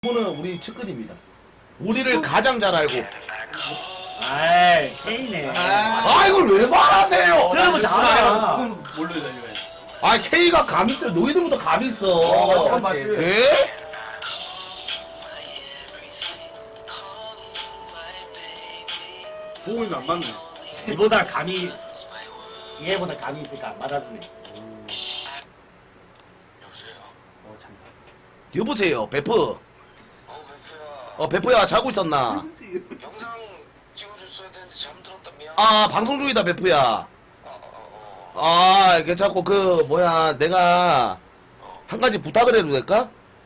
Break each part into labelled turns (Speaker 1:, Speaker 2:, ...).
Speaker 1: 이분은 우리 측근입니다. 우리를 가장 잘 알고.
Speaker 2: 아이, K네.
Speaker 1: 아 이걸 왜 말하세요?
Speaker 2: 들으면 다 알아.
Speaker 3: 그건 뭘로 달려요?
Speaker 1: 아 K가 감 있어. 너희들보다 감 있어.
Speaker 3: 참 맞지.
Speaker 1: 예?
Speaker 3: 보고 있는 안 맞네.
Speaker 2: 이보다 감이, 얘보다 감이 있을까? 안 받아주네. 참.
Speaker 1: 여보세요, 베프.
Speaker 4: 베프야.
Speaker 1: 베프야 자고 있었나?
Speaker 4: 영상 찍어줬어야 되는데 잠들었다 미안.
Speaker 1: 아 방송 중이다 베프야. 괜찮고 내가 한 가지 부탁을 해도 될까?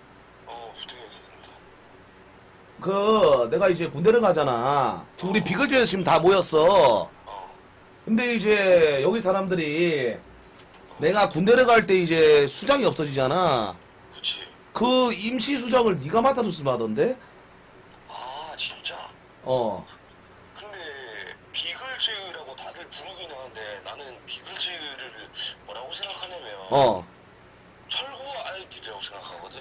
Speaker 4: 부탁해.
Speaker 1: 내가 이제 군대를 가잖아. 지금 우리 비거주에서 지금 다 모였어. 근데 이제 여기 사람들이 내가 군대를 갈 때 이제 수장이 없어지잖아.
Speaker 4: 그치.
Speaker 1: 그 임시 수장을 네가 맡아줬으면 하던데?
Speaker 4: 아 진짜.
Speaker 1: 어.
Speaker 4: 근데 비글즈라고 다들 부르긴 하는데 나는 비글즈를 뭐라고 생각하냐면 철구 아이들이라고 생각하거든.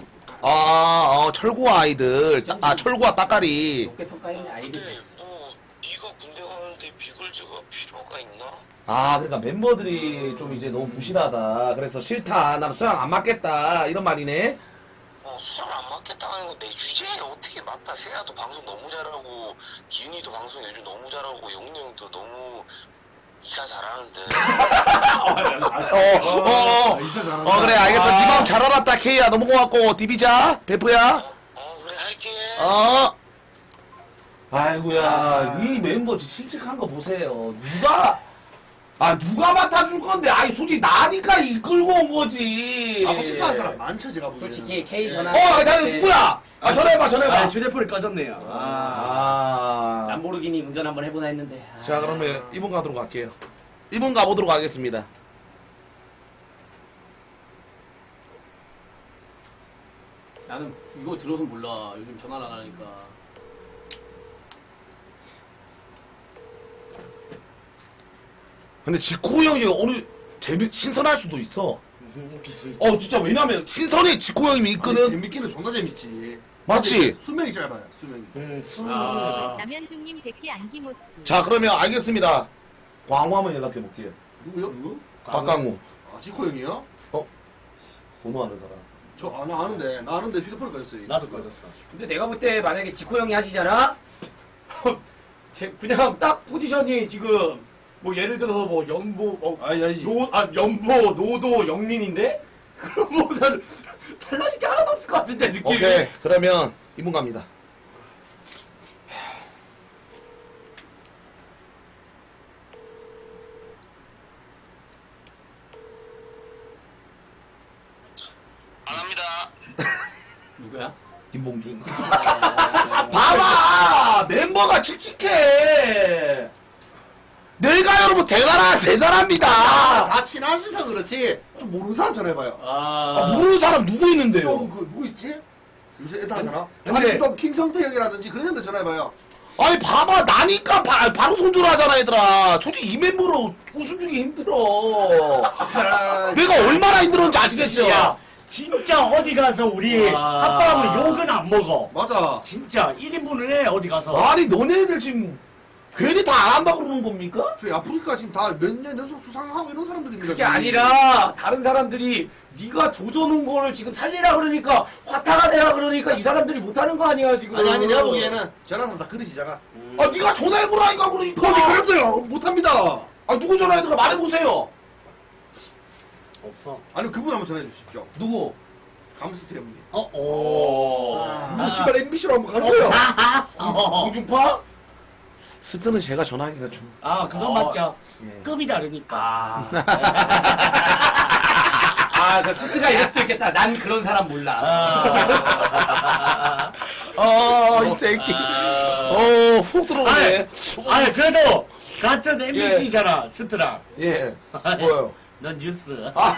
Speaker 1: 철구와 아이들. 철구와 따까리.
Speaker 3: 높게 평가했네 아이들.
Speaker 4: 근데 뭐 네가 군대 가는데 비글즈가 필요가 있나?
Speaker 1: 그러니까 멤버들이 좀 이제 너무 부실하다. 그래서 싫다. 나는 수양 안 맞겠다. 이런 말이네.
Speaker 4: 수상 안 맞겠다는 건 내 주제에 어떻게 맞다. 세아도 방송 너무 잘하고 기훈이도 방송 요즘 너무 잘하고 영훈이 형도 너무 이사 잘하는데.
Speaker 3: 있어 잘한다.
Speaker 1: 그래, 알겠어. 네 마음 잘 알았다, K야. 너무 고맙고. 디비자, 베프야.
Speaker 4: 그래 할게.
Speaker 1: 아이고야, 이 멤버 칙칙한 거 보세요. 누가 맡아줄 건데? 솔직히 나니까 이끌고 온 거지.
Speaker 3: 뭐 싶어하는 사람 많죠 제가 보기에는.
Speaker 5: 솔직히 K 전화.
Speaker 1: 나 누구야? 전화해봐.
Speaker 2: 휴대폰이 꺼졌네요.
Speaker 5: 람보르기니 운전 한번 해보나 했는데.
Speaker 1: 자, 그러면 이분 가도록 할게요. 이분 가보도록 하겠습니다.
Speaker 3: 나는 이거 들어서 몰라. 요즘 전화를 안 하니까.
Speaker 1: 근데 지코 형이 신선할 수도 있어. 진짜 왜냐면 신선해 지코 형님이 이끄는.
Speaker 3: 재밌기는 존나 재밌지.
Speaker 1: 맞지?
Speaker 3: 근데 수명이 짧아요. 수명이.
Speaker 6: 남현중님 100개 안기모트.
Speaker 1: 자, 그러면 알겠습니다. 광우 한번 연락해 볼게요.
Speaker 3: 누구요? 누구?
Speaker 1: 박광우.
Speaker 3: 지코 형이요?
Speaker 1: 번호 아는 사람.
Speaker 3: 나 아는데. 나 아는데 휴대폰을 꺼졌어요.
Speaker 2: 나도 꺼졌어.
Speaker 5: 근데 내가 볼 때 만약에 지코 형이 하시잖아? 그냥 딱 포지션이 지금 뭐 예를 들어서 뭐 연보
Speaker 3: 알지.
Speaker 5: 연보 노도 영민인데? 그럼 뭐 나는 달라질 게 하나도 없을 것 같은데 느낌이.
Speaker 1: 오케이. 그러면 이분 갑니다.
Speaker 4: 안 합니다.
Speaker 5: 누구야?
Speaker 1: 김봉준. 봐봐! 멤버가 칙칙해! 내가 여러분 대단합니다!
Speaker 3: 다 친하셔서 그렇지. 좀 모르는 사람 전화해봐요.
Speaker 1: 모르는 사람 누구 있는데요?
Speaker 3: 좀 누구 있지? 요새 애들 하잖아.
Speaker 1: 근데-
Speaker 3: 아니 좀 김성태 형이라든지 그런 형들 전화해봐요.
Speaker 1: 봐봐, 나니까 바로 손절하잖아, 얘들아. 솔직히 이 멤버로 웃음 주기 힘들어. 내가 얼마나 힘들었는지 아시겠죠?
Speaker 2: 야, 진짜 어디 가서 우리 합방으로 욕은 안 먹어.
Speaker 3: 맞아.
Speaker 2: 진짜 1인분을 해, 어디 가서.
Speaker 1: 아니, 너네들 지금 괜히 다 안 한다고 그러는 겁니까?
Speaker 3: 저희 아프리카 지금 다 몇 년 연속 수상하고 이런 사람들입니다.
Speaker 5: 그게
Speaker 3: 저희.
Speaker 5: 아니라 다른 사람들이 네가 조져놓은 거를 지금 살리라 그러니까 화타가 되라 그러니까 이 사람들이 못하는 거 아니야 지금.
Speaker 3: 아니 내가 보기에는 전화하면 다 그릇이 작아.
Speaker 1: 네가 전화해보라니까, 그러니까.
Speaker 3: 어디 그랬어요? 못합니다.
Speaker 1: 누구 전화해서 말해보세요.
Speaker 2: 없어.
Speaker 3: 아니 그분 한번 전화해 주십시오.
Speaker 1: 누구?
Speaker 3: 감스트 형님.
Speaker 2: 오.
Speaker 3: 씨발 MBC로 한번 가는 거예요.
Speaker 1: 공중파? 스트는 제가 전화하기가 좀.
Speaker 2: 그건 맞죠.
Speaker 1: 예.
Speaker 2: 급이 다르니까.
Speaker 5: 그 스트가 이럴 수도 있겠다. 난 그런 사람 몰라.
Speaker 1: 이 새끼. 훅 들어오네.
Speaker 2: 아니, 그래도 같은 MBC잖아, 스트랑.
Speaker 1: 예. 뭐요?
Speaker 2: 넌 뉴스.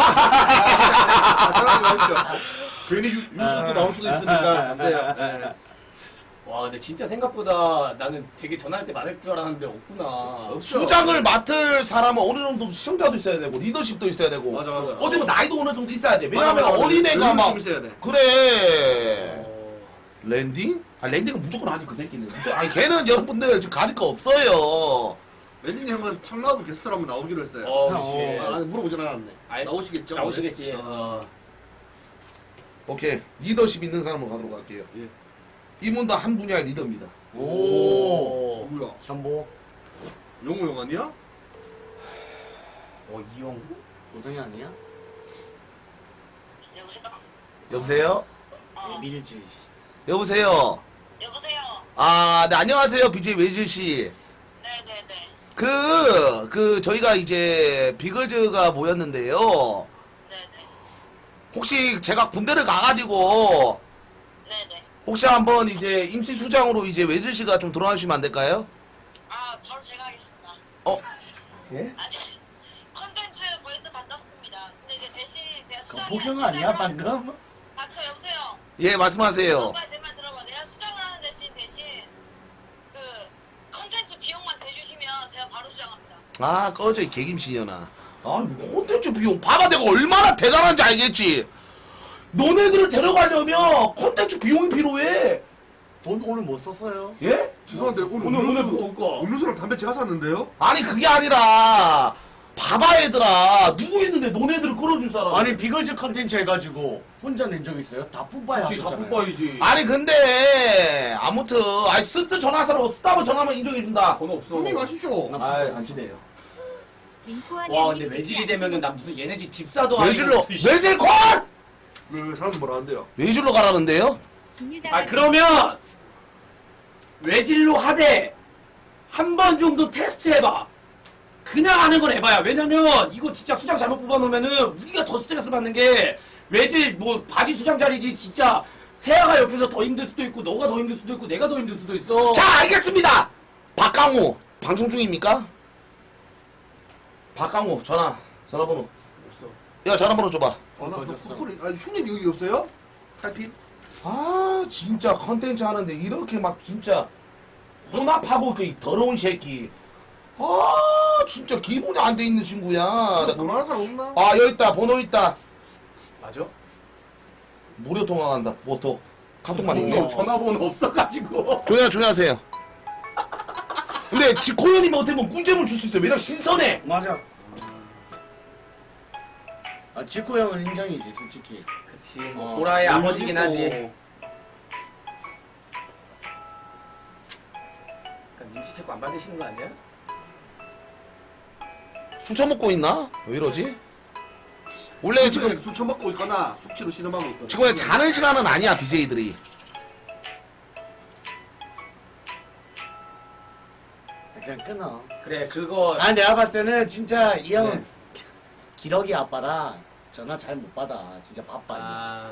Speaker 3: 전화하지 마십시오. 괜히 뉴스도 나올 수도 있으니까 안 돼요. 네.
Speaker 5: 와 근데 진짜 생각보다 나는 되게 전화할 때 많을 줄 알았는데 없구나.
Speaker 1: 수장을 맡을 사람은 어느 정도 시청자도 있어야 되고 리더십도 있어야 되고
Speaker 3: 맞아.
Speaker 1: 어디 뭐 나이도 어느 정도 있어야 돼. 왜냐면
Speaker 3: 맞아.
Speaker 1: 어린애가
Speaker 3: 여유가
Speaker 1: 막
Speaker 3: 좀 있어야 돼.
Speaker 1: 그래. 랜딩? 아 랜딩은 무조건 하지 그 새끼는. 아니 걔는 여러분들 지금 가릴 거 없어요.
Speaker 3: 랜딩 형은 청라도 게스트로 한번 나오기로 했어요. 아, 물어보진 않았네.
Speaker 5: 아이,
Speaker 3: 나오시겠죠?
Speaker 5: 나오시겠지.
Speaker 3: 네.
Speaker 1: 오케이 리더십 있는 사람으로 가도록 할게요.
Speaker 3: 예.
Speaker 1: 이분도 한 분야의 리더입니다.
Speaker 5: 오.
Speaker 3: 누구야?
Speaker 5: 현보.
Speaker 3: 영호 형 아니야?
Speaker 5: 이영구? 노동이 아니야?
Speaker 1: 여보세요?
Speaker 5: 밀지.
Speaker 1: 여보세요?
Speaker 7: 여보세요.
Speaker 1: 아, 네, 안녕하세요. BJ 외질씨.
Speaker 7: 네네네.
Speaker 1: 저희가 이제 비글즈가 모였는데요.
Speaker 7: 네네.
Speaker 1: 혹시 제가 군대를 가가지고,
Speaker 7: 네네.
Speaker 1: 혹시 한번 이제 임시수장으로 이제 외질씨가 좀 들어와 주시면 안 될까요?
Speaker 7: 아, 바로 제가 하겠습니다.
Speaker 1: 어? 예?
Speaker 7: 아니, 컨텐츠 벌써 받았습니다. 근데 이제 대신 제가
Speaker 2: 그
Speaker 7: 수정을
Speaker 2: 포경 아니야 방금?
Speaker 7: 닥쳐, 여보세요.
Speaker 1: 예, 말씀하세요.
Speaker 7: 오빠 내 말 들어봐. 내가 수정을 하는 대신 그 컨텐츠 비용만 대주시면 제가 바로 수정합니다.
Speaker 1: 아, 꺼져, 이 개김신년아. 아니, 콘텐츠 비용. 봐봐, 내가 얼마나 대단한지 알겠지? 너네들을 데려가려면 콘텐츠 비용이 필요해.
Speaker 2: 돈 오늘 못 썼어요.
Speaker 1: 예?
Speaker 3: 죄송한데 오늘
Speaker 2: 오늘 먹을까?
Speaker 3: 음료수랑 담배 제가 샀는데요?
Speaker 1: 아니, 그게 아니라, 봐봐, 얘들아. 누구 있는데 너네들을 끌어줄 사람.
Speaker 2: 아니 비글즈 컨텐츠 해가지고 혼자 낸 적 있어요? 다 뿜빠야 하셨잖아요.
Speaker 5: 뿜빠이지.
Speaker 1: 아니, 근데, 아무튼, 아니, 스트 전화사로 스타브 전화만 인정해준다.
Speaker 5: 돈 없어.
Speaker 3: 형님 마시죠.
Speaker 1: 아이, 안 친해요.
Speaker 5: 와 근데 외질이 되면은 나 무슨 얘네 집 집사도 아니고
Speaker 1: 외질로,
Speaker 5: 무슨 씨.
Speaker 1: 외질콜!
Speaker 3: 왜 사람 뭐라 한대요?
Speaker 1: 외질로 가라는데요?
Speaker 5: 아 그러면 외질로 하되 한 번 정도 테스트 해봐. 그냥 하는 건 해봐야. 왜냐면 이거 진짜 수장 잘못 뽑아놓으면은 우리가 더 스트레스 받는 게 외질 뭐 바지 수장 자리지 진짜 세아가 옆에서 더 힘들 수도 있고 너가 더 힘들 수도 있고 내가 더 힘들 수도 있어.
Speaker 1: 자, 알겠습니다! 박강호, 방송 중입니까? 박강호, 전화번호. 야, 전화번호 줘봐.
Speaker 3: 나
Speaker 2: 꺼졌어.
Speaker 3: 아니 흉님 여기 없어요? 탈핀?
Speaker 1: 아, 진짜 컨텐츠 하는데 이렇게 막 진짜 혼합하고 그 더러운 새끼. 아, 진짜 기분이 안 돼 있는 친구야.
Speaker 3: 번호 하나 사람 없나?
Speaker 1: 아, 여기 있다. 번호 있다.
Speaker 5: 맞아?
Speaker 1: 무료 통화한다. 보톡. 카톡만 있네.
Speaker 5: 전화번호 없어가지고.
Speaker 1: 조용히 하세요. 근데 지코현이면 어떻게 보면 꿀잼을 줄 수 있어요. 왜냐면 신선해.
Speaker 2: 맞아. 아 지코 형은 인정이지 솔직히.
Speaker 5: 그치. 보라의 아버지긴 하지.
Speaker 3: 그리고
Speaker 5: 눈치채고 안 받으시는 거 아니야?
Speaker 1: 술 처먹고 있나? 왜 이러지? 원래 지금
Speaker 3: 술 처먹고 있거나 숙취로 신음하고 있거나.
Speaker 1: 지금 자는 시간은 아니야, BJ들이.
Speaker 2: 그냥 끊어.
Speaker 5: 그래 그거.
Speaker 2: 아 내가 봤을 때는 진짜 이 형은
Speaker 5: 네.
Speaker 2: 기러기 아빠라 전화 잘 못 받아. 진짜 바빠.
Speaker 5: 아.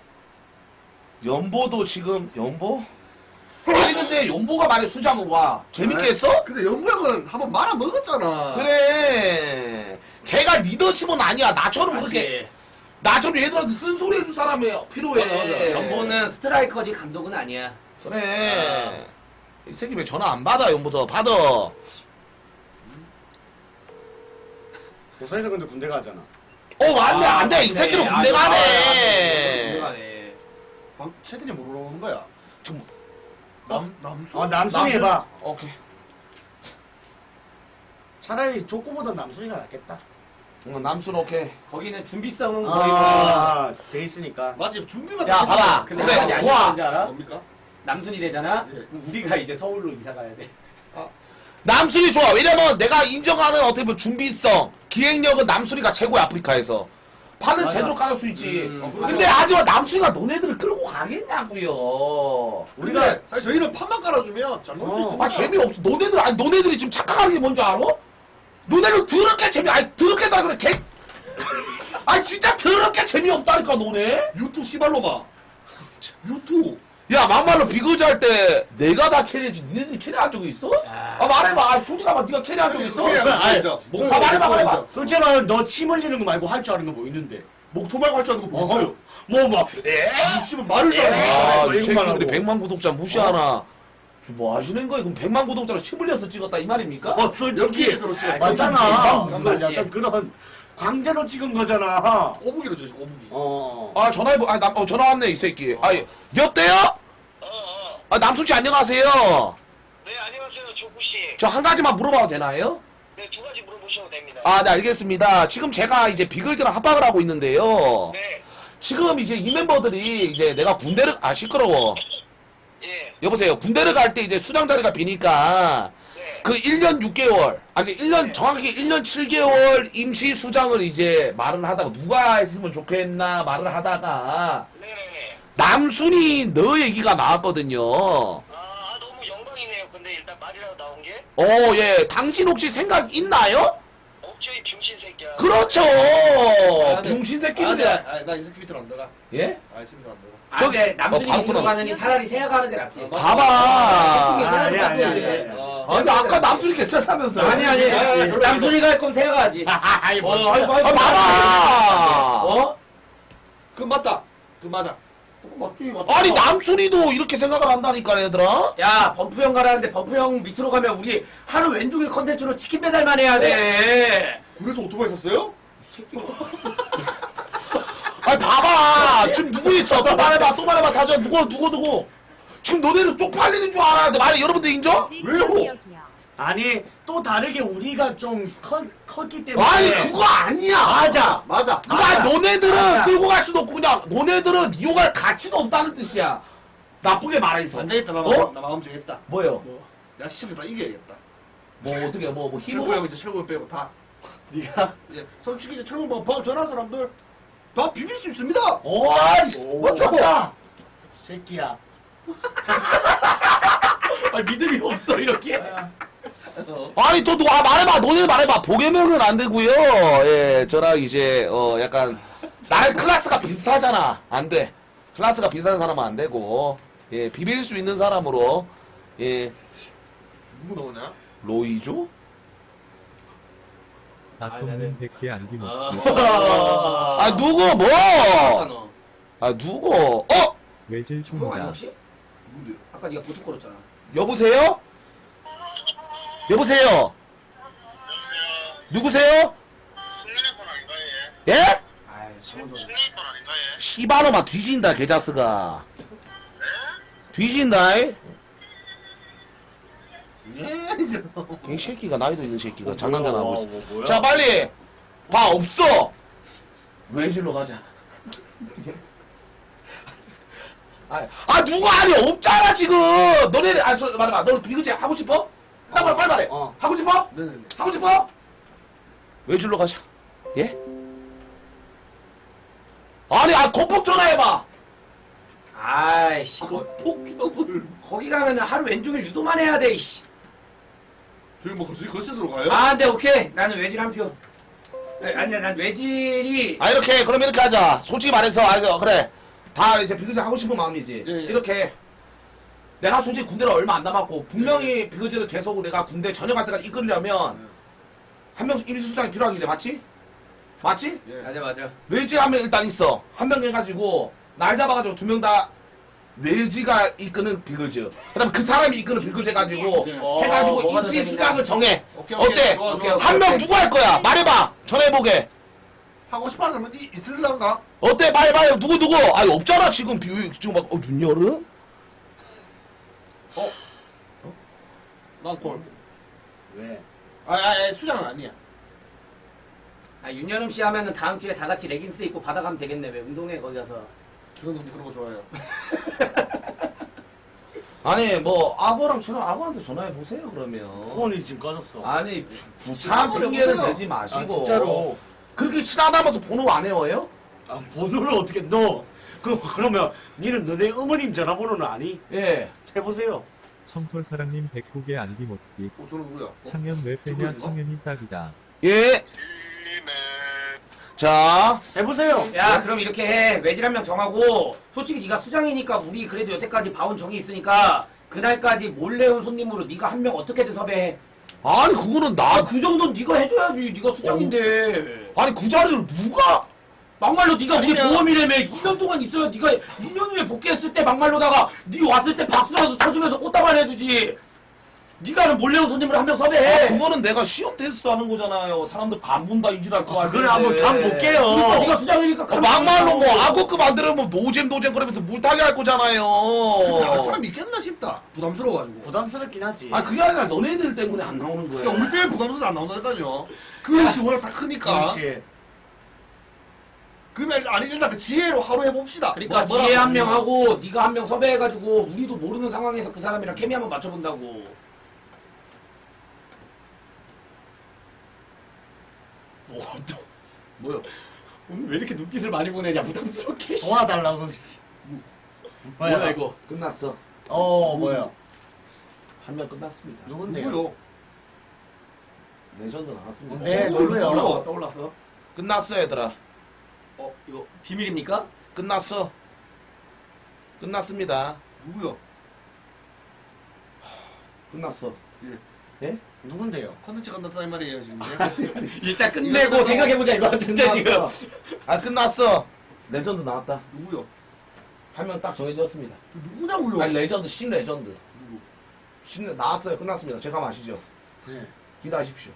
Speaker 1: 연보도 지금 연보? 아니 근데 연보가 만약 수장으로 와 재밌게 했어?
Speaker 3: 근데 영구 형은 한번 말아 먹었잖아.
Speaker 1: 그래 걔가 리더십은 아니야. 나처럼 그렇게
Speaker 5: 맞지.
Speaker 1: 나처럼 얘들한테 쓴소리 해줄 사람이 필요해.
Speaker 5: 연보는 스트라이커지 감독은 아니야.
Speaker 1: 그래 이 새끼 왜 전화 안 받아. 연보도 받아.
Speaker 2: 고사이도 근데 군대 가잖아.
Speaker 1: 맞네. 안돼. 이 새끼는 군대 가네.
Speaker 5: 군대 가네.
Speaker 3: 채팅창 뭐로 오는 거야?
Speaker 1: 지금
Speaker 3: 남수?
Speaker 2: 남순이 해봐.
Speaker 1: 오케이.
Speaker 2: 차라리 족구보다 남순이가 낫겠다.
Speaker 1: 남순 오케이.
Speaker 5: 거기는 준비성은 거의 뭐.
Speaker 2: 돼 있으니까.
Speaker 3: 맞지 준비만
Speaker 1: 야,
Speaker 3: 다
Speaker 1: 봐봐.
Speaker 5: 근데
Speaker 1: 그래,
Speaker 5: 한 가지
Speaker 1: 좋아.
Speaker 5: 아쉬운 줄 알아?
Speaker 3: 뭡니까?
Speaker 5: 남순이 되잖아?
Speaker 3: 네.
Speaker 5: 그럼 우리가 이제 서울로 이사 가야 돼.
Speaker 1: 남순이 좋아. 왜냐면 내가 인정하는 어떻게 보면 준비성, 기획력은 남순이가 최고야, 아프리카에서. 판은
Speaker 2: 맞아.
Speaker 1: 제대로 깔을 수 있지.
Speaker 3: 그렇죠.
Speaker 1: 근데 하지만 남순이가 너네들을 끌고 가겠냐고요.
Speaker 3: 우리가 사실 저희는 판만 깔아주면 잘 놀 수 있습니다.
Speaker 1: 아 재미없어. 너네들이 지금 착각하는 게 뭔지 알아? 너네들 더럽게 더럽게다 그래 개. 아니 진짜 더럽게 재미없다니까 너네.
Speaker 3: 유투 씨발로마. 유투.
Speaker 1: 야 막말로 비거지 할 때 내가 다 캐리했지. 니네들이 캐리한 적이 있어? 아 말해봐. 아, 솔직히 말해. 네가 캐리한 적 있어? 말해봐.
Speaker 2: 솔직히 말하면 너 침 흘리는 거 말고 할 줄 아는 거 뭐 있는데?
Speaker 3: 목토 말고 할 줄 아는 거 뭐 있어요?
Speaker 2: 뭐
Speaker 3: 씨발 말을 잘 안 해.
Speaker 1: 아, 이
Speaker 2: 이것만
Speaker 1: 새끼들이
Speaker 2: 하고.
Speaker 1: 100만 구독자 무시하나? 뭐 하시는 거야? 그럼 100만 구독자로 침 흘려서 찍었다 이 말입니까?
Speaker 2: 솔직히
Speaker 3: 여기에서로 찍어.
Speaker 2: 맞잖아.
Speaker 5: 맞지.
Speaker 2: 약간 그런 광대로 찍은 거잖아.
Speaker 3: 꼬부기로 줘, 꼬부기.
Speaker 2: 어.
Speaker 1: 아 전화 왔네 이 새끼. 아 여보세요? 아, 남순 씨 안녕하세요.
Speaker 4: 네, 안녕하세요, 조구씨.
Speaker 1: 저 한 가지만 물어봐도 되나요?
Speaker 4: 네, 두 가지 물어보셔도 됩니다.
Speaker 1: 아, 네, 알겠습니다. 지금 제가 이제 비글즈랑 합방을 하고 있는데요.
Speaker 4: 네,
Speaker 1: 지금 이제 이 멤버들이 이제 내가 군대를, 시끄러워.
Speaker 4: 예,
Speaker 1: 여보세요. 군대를 갈 때 이제 수장 자리가 비니까
Speaker 4: 네.
Speaker 1: 그 1년 6개월, 아니 1년, 정확히 1년 7개월 임시 수장을 이제 말을 하다가 누가 했으면 좋겠나 말을 하다가
Speaker 4: 네네네.
Speaker 1: 남순이 너 얘기가 나왔거든요.
Speaker 4: 너무 영광이네요. 근데 일단 말이라도 나온 게
Speaker 1: 예. 당신 혹시 생각 있나요?
Speaker 4: 없죠, 이 병신 새끼야.
Speaker 1: 그렇죠.
Speaker 3: 아, 네.
Speaker 1: 병신
Speaker 3: 아,
Speaker 1: 새끼들.
Speaker 3: 네. 나이 새끼 밑으로 안 들어가.
Speaker 1: 예?
Speaker 3: 아, 이 새끼 밑으로 안 들어가.
Speaker 1: 저기,
Speaker 5: 남순이
Speaker 1: 바로
Speaker 5: 밑으로
Speaker 1: 끊어.
Speaker 5: 가느니 차라리 세아가 하는 게 낫지.
Speaker 1: 봐봐.
Speaker 2: 아니, 아니, 아니.
Speaker 1: 아니, 아까 남순이 괜찮다면서요.
Speaker 5: 아니 남순이가 할 거면 세아가 하지.
Speaker 2: 아이, 뭐.
Speaker 5: 아이고,
Speaker 1: 아, 봐봐.
Speaker 5: 어?
Speaker 3: 그 맞다. 그 맞아.
Speaker 5: 맞지.
Speaker 1: 아니, 남순이도 이렇게 생각을 한다니까, 얘들아.
Speaker 5: 야 범프 형 가라는데 범프 형 밑으로 가면 우리 하루 왼종일 컨텐츠로 치킨 배달만 해야 돼.
Speaker 3: 그래서 오토바이 샀어요?
Speaker 1: 아니, 봐봐. 지금 누구 있어? 또 말해봐. 다져. 누구. 지금 너네는 쪽팔리는 줄 알았는데, 만약 여러분들 인정?
Speaker 3: 왜요?
Speaker 2: 아니, 또 다르게 우리가 좀 컸기 때문에.
Speaker 1: 아니, 그거 아니야.
Speaker 2: 맞아.
Speaker 3: 맞아.
Speaker 1: 그니까 너네들은
Speaker 2: 맞아.
Speaker 1: 끌고 갈 수도 없고, 그냥 너네들은 이용할 가치도 없다는 뜻이야. 나쁘게 말해서.
Speaker 3: 안 되겠다. 나 마음 정했다.
Speaker 1: 뭐요?
Speaker 3: 내가 시청자 다 이겨야겠다.
Speaker 1: 뭐, 어떻게, 뭐,
Speaker 3: 철구
Speaker 1: 힘으로?
Speaker 3: 형 이제 철구 형 빼고 다.
Speaker 2: 네가
Speaker 3: 예. 솔직히 이제 철구 형 밥 전화한 사람들 다 비빌 수 있습니다.
Speaker 1: 맞죠?
Speaker 2: 맞다. 새끼야.
Speaker 5: 아, 믿음이 없어 이렇게.
Speaker 1: 아니 또 누가 말해봐. 너네 말해봐. 보개명은 안 되고요. 예, 저랑 이제 약간 나랑 클래스가 비슷하잖아. 안 돼. 클래스가 비슷한 사람은 안 되고, 예, 비빌 수 있는 사람으로, 예,
Speaker 3: 누구 나오냐?
Speaker 1: 로이조?
Speaker 8: 나통님 100개 안기 못.
Speaker 1: 아 누구 뭐?
Speaker 5: 너.
Speaker 1: 아 누구?
Speaker 8: 외질
Speaker 5: 형 아니
Speaker 8: 총이다.
Speaker 5: 혹시?
Speaker 3: 누군데?
Speaker 5: 아까 네가 보트 걸었잖아.
Speaker 1: 여보세요? 여보세요? 누구세요?
Speaker 4: 승민의 건 아닌가,
Speaker 1: 예?
Speaker 5: 아이 저도.
Speaker 4: 승민의 건 아닌가, 얘?
Speaker 1: 시바노마 뒤진다 개자스가. 뒤진다. 이
Speaker 3: 예, 이제.
Speaker 1: 새끼가 나이도 있는 새끼가 장난감 하고 있어.
Speaker 2: 뭐야?
Speaker 1: 자 빨리 봐. 없어. 외질로 가자. 누가 아니 없잖아 지금. 너네 말해봐. 너 비그제 하고 싶어? 빨리 말해. 하고 싶어?
Speaker 3: 네네네.
Speaker 1: 하고 싶어? 외질로 가자. 예? 아니 거폭 전화해봐.
Speaker 5: 아이씨.
Speaker 3: 폭격을.
Speaker 5: 거기 가면은 하루 왼종일 유도만 해야 돼. 이씨.
Speaker 3: 저기 뭐 거실로 가요?
Speaker 5: 아, 네 오케이. 나는 외질 한 표. 아니야, 난 외질이.
Speaker 1: 이렇게 그럼 이렇게 하자. 솔직히 말해서 그래. 다 이제 비그제 하고 싶은 마음이지.
Speaker 3: 예, 예.
Speaker 1: 이렇게. 내가 솔직히 군대를 얼마 안 남았고 분명히 비그제를 계속 내가 군대 전역할 때까지 이끌려면 한 명 임시수장이 필요하긴데 맞지? 맞지?
Speaker 3: 예.
Speaker 5: 맞아.
Speaker 1: 외지 한 명 일단 있어. 한 명 해가지고 날 잡아가지고 두 명 다 외지가 이끄는 비글즈. 그다음 그 사람이 이끄는 비글즈 해가지고
Speaker 3: 네.
Speaker 1: 해가지고
Speaker 5: 뭐가 더
Speaker 1: 임시수장을 정해.
Speaker 3: 오케이,
Speaker 1: 어때?
Speaker 3: 좋아,
Speaker 5: 오케이,
Speaker 3: 좋아.
Speaker 5: 오케이.
Speaker 1: 한 명 누구 할 거야? 말해봐. 전해보게.
Speaker 3: 하고 싶어하는 사람은 있을란가?
Speaker 1: 어때? 빨리 누구? 아니 없잖아 지금 지금 막 윤여름?
Speaker 3: 난 콜.
Speaker 2: 왜?
Speaker 3: 수장은 아니야.
Speaker 5: 아, 윤여름 씨 하면은 다음 주에 다 같이 레깅스 입고 받아가면 되겠네. 왜 운동회 거기 가서.
Speaker 3: 저는 너무 그런 거 좋아해요.
Speaker 1: 아니 뭐 악어한테 전화해 보세요 그러면.
Speaker 2: 폰이 지금 꺼졌어.
Speaker 1: 아니 부참 핑계는
Speaker 3: 보세요.
Speaker 1: 대지 마시고.
Speaker 2: 아, 진짜로.
Speaker 1: 그렇게 친하다면서 번호 안 외워요?
Speaker 2: 번호를 어떻게 너? 그러면 니는 너네 어머님 전화번호는 아니?
Speaker 1: 예.
Speaker 2: 해보세요.
Speaker 8: 청솔사랑님 109개 안기 못기.
Speaker 3: 저는 누구야?
Speaker 8: 창현 왜 빼냐
Speaker 3: 누구인가?
Speaker 8: 창현이 딱이다.
Speaker 1: 예. 자.
Speaker 2: 해보세요.
Speaker 5: 야, 그럼 이렇게 해. 외질 한 명 정하고, 솔직히 네가 수장이니까 우리 그래도 여태까지 봐온 정이 있으니까 그날까지 몰래 온 손님으로 네가 한 명 어떻게든 섭외해.
Speaker 1: 아니 그거는
Speaker 5: 아, 그 정도는 네가 해줘야지. 네가 수장인데.
Speaker 1: 아니 그 자리를 누가?
Speaker 5: 막말로 네가 우리
Speaker 3: 아니면-
Speaker 5: 보험이라며 2년 동안 있어야 네가 2년 후에 복귀했을 때 막말로다가 네 왔을 때 박수라도 쳐주면서 꽃다발 해주지. 네가 하는 몰래 온 손님을 한 명 섭외해.
Speaker 1: 그거는 내가 시험 테스트 하는 거잖아요. 사람들 간 본다 이질할 거 같은데.
Speaker 2: 그래 한번 간 볼게요.
Speaker 5: 그러니까 네가 수장이니까
Speaker 1: 막말로 뭐 악어급 안 들으면 노잼 그러면서 물타기 할 거잖아요.
Speaker 3: 할 사람 있겠나 싶다. 부담스러워가지고.
Speaker 2: 부담스럽긴 하지.
Speaker 1: 아 그게 아니라 너네들 때문에 안 나오는 거야.
Speaker 3: 야, 우리 때문에 부담스러워서 안 나온다니까요. 그릇이 워낙 다 크니까.
Speaker 2: 그렇지.
Speaker 3: 그러면 아니 일단 그 지혜로 하루 해봅시다.
Speaker 5: 그러니까
Speaker 3: 뭐라
Speaker 5: 지혜 한
Speaker 3: 그러냐.
Speaker 5: 명 하고 네가 한 명 섭외해가지고 우리도 모르는 상황에서 그 사람이랑 케미 한번 맞춰본다고.
Speaker 3: 뭐요?
Speaker 5: 오늘 왜 이렇게 눈빛을 많이 보내냐 부담스럽게.
Speaker 2: 도와달라고. 씨.
Speaker 5: 뭐야 이거?
Speaker 1: 끝났어.
Speaker 2: 뭐야?
Speaker 1: 한 명 끝났습니다.
Speaker 2: 누군데요?
Speaker 3: 누구요?
Speaker 1: 레전드 나왔습니다.
Speaker 2: 네,
Speaker 3: 누구요?
Speaker 2: 누구요?
Speaker 5: 떠올랐어?
Speaker 1: 끝났어 얘들아.
Speaker 5: 이거 비밀입니까?
Speaker 1: 끝났어. 끝났습니다.
Speaker 3: 누구요?
Speaker 1: 끝났어.
Speaker 3: 예.
Speaker 1: 예?
Speaker 2: 누군데요?
Speaker 3: 컨텐츠 간다는 말이에요 지금.
Speaker 5: 일단 끝내고 생각해보자 이거 같은데 지금.
Speaker 1: 아 끝났어. 레전드 나왔다.
Speaker 3: 누구요?
Speaker 1: 한 명 딱 정해졌습니다.
Speaker 3: 누구냐고요?
Speaker 1: 아니 레전드 신 레전드.
Speaker 3: 누구?
Speaker 1: 신 나왔어요. 끝났습니다. 제가 마시죠.
Speaker 2: 네.
Speaker 1: 기다리십시오.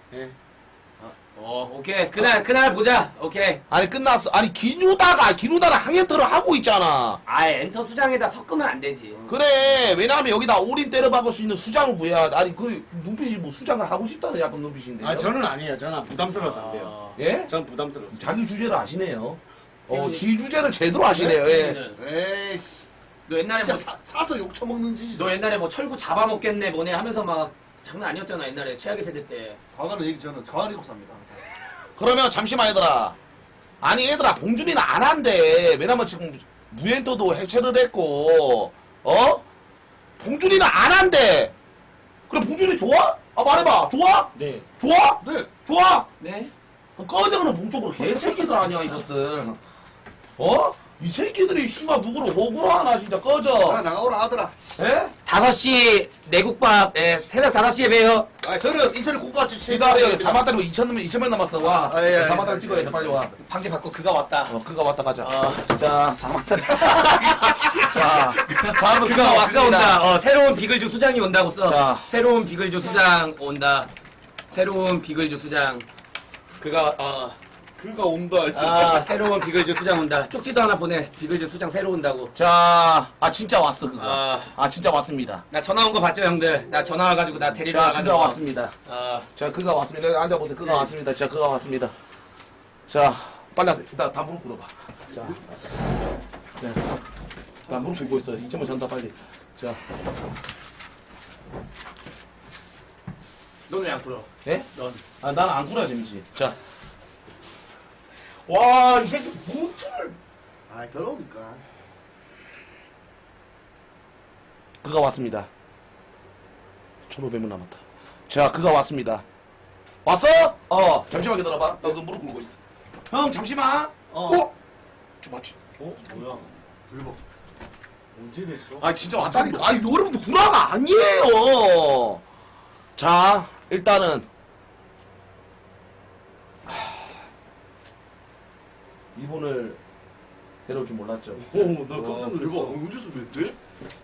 Speaker 5: 오케이 그날 보자. 오케이.
Speaker 1: 아니 끝났어. 아니 기누다랑 항해터를 하고 있잖아.
Speaker 5: 엔터 수장에다 섞으면 안 되지.
Speaker 1: 그래. 왜냐하면 여기다 올인 때려박을 수 있는 수장을 구해야. 아니 그 눈빛이 뭐 수장을 하고 싶다는 약간 눈빛인데.
Speaker 2: 아 저는 아니에요. 저는 부담스러워서 안 돼요.
Speaker 1: 예?
Speaker 2: 전 부담스러웠어요.
Speaker 1: 자기 주제를 아시네요. 지 주제를 제대로 아시네요. 예.
Speaker 3: 에이씨.
Speaker 5: 너 옛날에
Speaker 3: 진짜
Speaker 5: 뭐,
Speaker 3: 사서 욕 처먹는 짓이죠.
Speaker 5: 너 옛날에 뭐 철구 잡아먹겠네 뭐네 하면서 막 장난 아니었잖아 옛날에 최악의 세대 때.
Speaker 3: 과거는 얘기 저는 과거를 잊고 삽니다 항상.
Speaker 1: 그러면 잠시만 얘들아. 아니 얘들아 봉준이는 안 한대. 왜냐면 지금 무엔터도 해체를 했고 봉준이는 안 한대. 그래 봉준이 좋아? 아 말해봐. 좋아?
Speaker 2: 네.
Speaker 1: 좋아?
Speaker 3: 네.
Speaker 1: 좋아?
Speaker 5: 네?
Speaker 1: 꺼져 그럼 봉쪽으로 개새끼들 아니야 이것들. 이 새끼들이 씨발 누구를 호구로 하나 진짜 꺼져.
Speaker 3: 나가오라 하더라.
Speaker 1: 예?
Speaker 5: 5시 내국밥 새벽 5시에 봬요.
Speaker 3: 아 저는 인천의 국밥집
Speaker 1: 기다려. 4만달이면 2,000명 남았어. 와.
Speaker 3: 아, 예,
Speaker 1: 4만달 찍어야 돼 빨리 와.
Speaker 5: 방제 받고 그가 왔다.
Speaker 1: 그가 왔다 가자. 자, 4만달. 자, 다음은
Speaker 5: 그가 왔어 온다. 새로운 비글즈 수장이 온다고 써.
Speaker 1: 자.
Speaker 5: 새로운 비글즈 수장 온다. 새로운 비글즈 수장. 그가
Speaker 3: 그가 온다.
Speaker 5: 새로운 비글즈 수장 온다. 쪽지도 하나 보내. 비글즈 수장 새로 온다고.
Speaker 1: 자, 진짜 왔어 그거.
Speaker 5: 아.
Speaker 1: 진짜 왔습니다.
Speaker 5: 나 전화 온 거 봤죠 형들? 나 전화 와가지고 나 데리러
Speaker 1: 자,
Speaker 5: 와가지고.
Speaker 1: 그가 왔습니다. 자, 그가 왔습니다. 앉아보세요. 그가 왔습니다. 자, 그가 왔습니다. 자, 빨리 일단 다 무릎 꿇어봐. 자, 나 무릎 꿇고 있어. 2점을 전다 빨리. 자,
Speaker 5: 넌 왜 안 풀어?
Speaker 1: 예?
Speaker 5: 넌.
Speaker 1: 나는 안 꿇어야 재밌지. 자, 와, 이 새끼 무트를.
Speaker 3: 아 더러우니까.
Speaker 1: 그가 왔습니다. 1,500명 남았다. 자, 그가 왔습니다. 왔어? 잠시만 기다려봐. 그 무릎 꿇고 있어. 형, 잠시만. 좀 맞지?
Speaker 2: 뭐야?
Speaker 3: 대박.
Speaker 2: 언제 됐어?
Speaker 1: 진짜 왔다니까. 여러분들 구라가 아니에요. 자, 일단은. 이분을 데려올 줄 몰랐죠.
Speaker 2: 나 깜짝
Speaker 3: 대박.
Speaker 2: 놀랐어.
Speaker 3: 운주수 몇 대?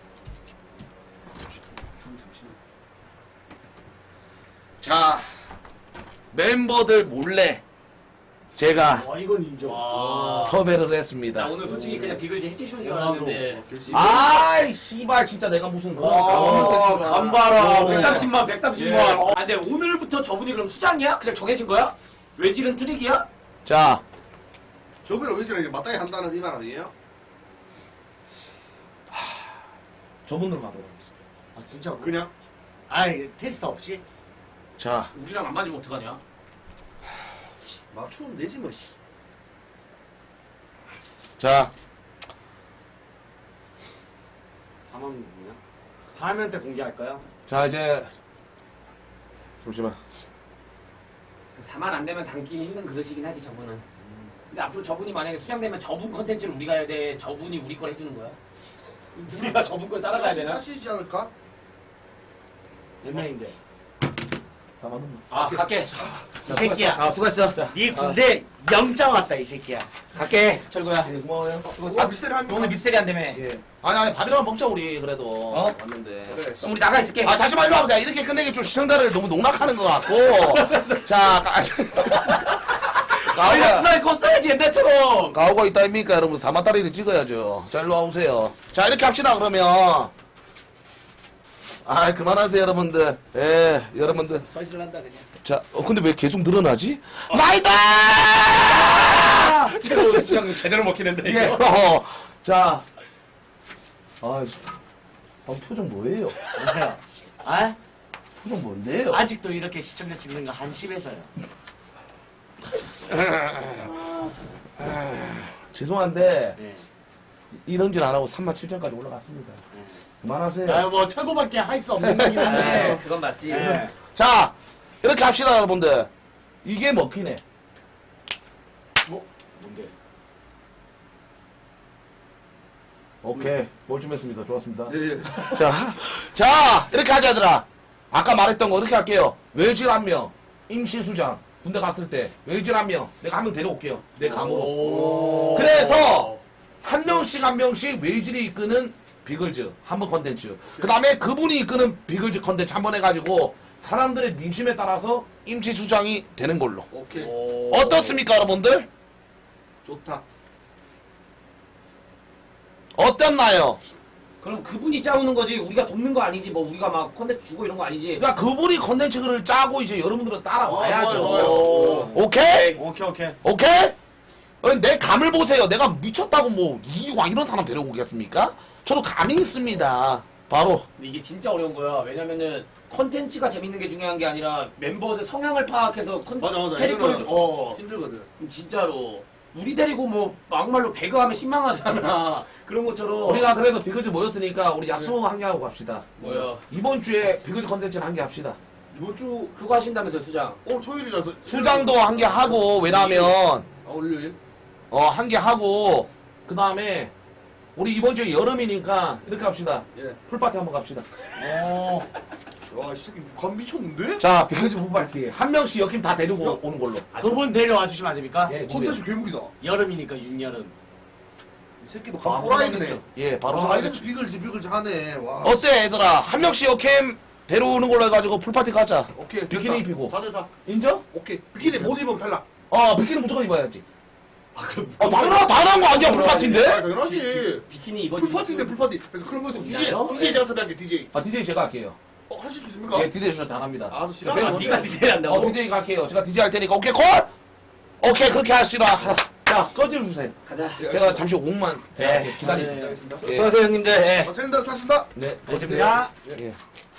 Speaker 1: 자, 멤버들 몰래 제가
Speaker 2: 이건 인정.
Speaker 1: 섭외를 했습니다.
Speaker 5: 나 오늘 솔직히 그냥 비글즈 해체쇼인 줄 알았는데.
Speaker 1: 아이, 씨발, 진짜 내가 무슨
Speaker 5: 간바라.
Speaker 1: 어.
Speaker 5: 130만, 130만. 근데 오늘부터 저분이 그럼 수장이야? 그냥 정해진 거야? 외질은 트릭이야?
Speaker 1: 자,
Speaker 3: 저번에 왠지 이제 맞다이 한다는 이 말 아니에요?
Speaker 1: 저분으로 가도록 하겠습니다.
Speaker 2: 진짜?
Speaker 3: 그냥
Speaker 2: 테스트 없이?
Speaker 1: 자,
Speaker 5: 우리랑 안 맞으면 어떡하냐?
Speaker 3: 맞추면 되지 뭐. 씨.
Speaker 1: 자,
Speaker 2: 4만 누구냐? 4면 때 공개할까요?
Speaker 1: 자, 이제 잠시만.
Speaker 5: 4만 안 되면 담기는 힘든 그릇이긴 하지 저분은. 근데 앞으로 저분이 만약에 수장되면 저분 컨텐츠를 우리가 해야 돼. 저분이 우리 걸 해주는 거야. 우리가 저분 걸 따라가야 되나?
Speaker 3: 짜시지 않을까?
Speaker 2: 몇 명인데?
Speaker 1: 4만 넘었어.
Speaker 5: 아 갈게.
Speaker 2: 이 새끼야.
Speaker 5: 아 수고했어.
Speaker 2: 네 군대 영장 왔다 이 새끼야.
Speaker 5: 갈게 철구야.
Speaker 1: 예, 고마워요.
Speaker 3: 오늘 미스테리 한
Speaker 5: 오늘 미스테리 한다며.
Speaker 1: 예. 아니 밥이나 먹자 우리 그래도.
Speaker 5: 어?
Speaker 1: 왔는데.
Speaker 3: 그래.
Speaker 5: 그럼 우리 나가 있을게.
Speaker 1: 아 잠시만 일로 와보자. 이렇게 끝내기 좀 시청자를 너무 농락하는 것 같고. 자,
Speaker 5: 아니
Speaker 1: 가오가
Speaker 5: 부산에 거 써야지 옛날처럼.
Speaker 1: 가오가 있다 입니까 여러분? 4만다리를 찍어야죠. 자 일로 와보세요. 자 이렇게 합시다 그러면. 아 그만하세요 여러분들. 예 여러분들.
Speaker 5: 서 있을란다 그냥.
Speaker 1: 자 근데 왜 계속 늘어나지? 나이다!
Speaker 5: 새로 수장 제대로 먹히는데
Speaker 1: 예.
Speaker 5: 이거.
Speaker 1: 자. 아 표정 뭐예요?
Speaker 2: 아?
Speaker 1: 표정 뭔데요?
Speaker 2: 아직도 이렇게 시청자 찍는 거 한심해서요.
Speaker 1: 죄송한데
Speaker 2: 네.
Speaker 1: 이런 짓 안 하고 37,000까지 올라갔습니다. 그만하세요.
Speaker 2: 아뭐 철거밖에 할 수 없는 거긴 한데.
Speaker 5: 그건 맞지.
Speaker 2: 예.
Speaker 1: 자 이렇게 합시다 여러분들. 이게 먹히네.
Speaker 2: 뭔데?
Speaker 1: 오케이 몰쯤했습니다. 좋았습니다.
Speaker 3: 예, 예.
Speaker 1: 자 이렇게 하자 얘들아. 아까 말했던 거 이렇게 할게요. 외질 1명 임시수장 군대 갔을 때 외질 1명 내가 1명 데려올게요. 내 감으로. 그래서 한 명씩 외질이 이끄는 비글즈 한번 컨텐츠. 그 다음에 그분이 이끄는 비글즈 컨텐츠 한번 해가지고 사람들의 민심에 따라서 임시수장이 되는 걸로.
Speaker 3: 오케이.
Speaker 1: 어떻습니까 여러분들?
Speaker 3: 좋다.
Speaker 1: 어땠나요?
Speaker 5: 그럼 그분이 짜오는 거지 우리가 돕는 거 아니지 뭐 우리가 막 컨텐츠 주고 이런 거 아니지.
Speaker 1: 그러니까 그분이 컨텐츠를 짜고 이제 여러분들은 따라와야죠.
Speaker 3: 좋아요.
Speaker 1: 오케이?
Speaker 2: 오케이.
Speaker 1: 오케이? 내 감을 보세요. 내가 미쳤다고 뭐 이왕 이런 사람 데려오고 오겠습니까? 저도 감이 있습니다. 바로
Speaker 5: 근데 이게 진짜 어려운 거야. 왜냐면은 컨텐츠가 재밌는 게 중요한 게 아니라 멤버들 성향을 파악해서
Speaker 3: 맞아.
Speaker 5: 캐릭터를
Speaker 3: 이거는 힘들거든.
Speaker 5: 진짜로 우리 데리고 뭐 막말로 배그하면 신망하잖아. 그런 것처럼
Speaker 1: 우리가 그래도 비글즈 모였으니까 우리 야수 한 개 하고 갑시다.
Speaker 5: 뭐야
Speaker 1: 이번 주에 비글즈 컨텐츠는 한 개 합시다.
Speaker 3: 이번 주
Speaker 5: 그거 하신다면서 수장.
Speaker 3: 오늘 토요일이라서
Speaker 1: 수장도 한 개 하고 왜냐면
Speaker 3: 월요일.
Speaker 1: 한 개 하고 그 다음에 우리 이번 주에 여름이니까 이렇게 합시다.
Speaker 3: 예.
Speaker 1: 풀파티 한번 갑시다.
Speaker 3: 와, 이 새끼 감 미쳤는데?
Speaker 1: 자 비글즈 풀파티 한 명씩 여캠 다 데리고 오는 걸로.
Speaker 2: 그분 데려와 주시면 안 됩니까?
Speaker 1: 예,
Speaker 3: 컨텐츠 괴물이다.
Speaker 2: 여름이니까 윤여름.
Speaker 3: 이 새끼도
Speaker 1: 바로
Speaker 3: 감 꼬라이네.
Speaker 1: 예 바로
Speaker 3: 아, 이래서
Speaker 1: 소개하겠습니다.
Speaker 3: 비글즈 하네. 와.
Speaker 1: 어때 얘들아 한 명씩 여캠 데려오는 걸로 해가지고 풀파티 가자.
Speaker 3: 오케이.
Speaker 1: 비키니
Speaker 3: 됐다.
Speaker 1: 입히고
Speaker 2: 4대4.
Speaker 1: 인정?
Speaker 3: 오케이. 비키니 못 입으면 탈락.
Speaker 1: 비키니 무조건 입어야지.
Speaker 5: 그럼
Speaker 1: 당연한 거 아니야 풀파티인데?
Speaker 3: 아, 당연하지.
Speaker 5: 비키니 입어.
Speaker 3: 풀파티인데 풀파티. 그래서 그런 거좀 DJ
Speaker 5: 아니요?
Speaker 3: DJ 자습 할게 DJ.
Speaker 1: DJ 제가 할게요.
Speaker 3: 하실 수 있습니까?
Speaker 1: 예, DJ 저도 안 합니다.
Speaker 3: 아, 너 싫어?
Speaker 1: 네,
Speaker 5: 네가 디제이 한다고?
Speaker 1: DJ가 할게요. 제가 DJ 할 테니까 오케이 콜? 오케이 그렇게 하시라. 자 꺼져주세요.
Speaker 5: 가자.
Speaker 3: 예,
Speaker 1: 제가 잠시 5분만 기다리겠습니다.
Speaker 3: 알겠습니다.
Speaker 1: 예.
Speaker 5: 수고하세요 형님들. 예.
Speaker 3: 선생님들 수고하셨습니다.
Speaker 1: 네.
Speaker 2: 고맙습니다.
Speaker 1: 예.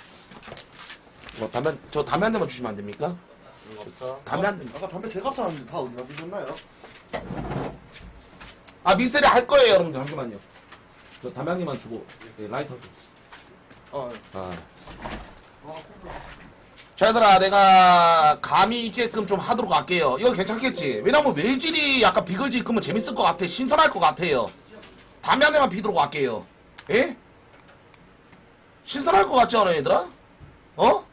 Speaker 1: 담배 한 대만 주시면 안 됩니까? 담배 한 대.
Speaker 3: 아까 담배 제값 사는데 다 어디다 드셨나요?
Speaker 1: 미세리 할 거예요 여러분들 잠시만요. 저 담배 한 개만 주고 라이터 좀.
Speaker 3: 아,
Speaker 1: 자 얘들아 내가 감이 있게끔 좀 하도록 할게요. 이거 괜찮겠지? 왜냐면 외질이 약간 비글즈 입으면 재밌을 것 같아. 신선할 것 같아요. 담배 한 대만 피도록 할게요. 예? 신선할 것 같지 않아 얘들아? 어?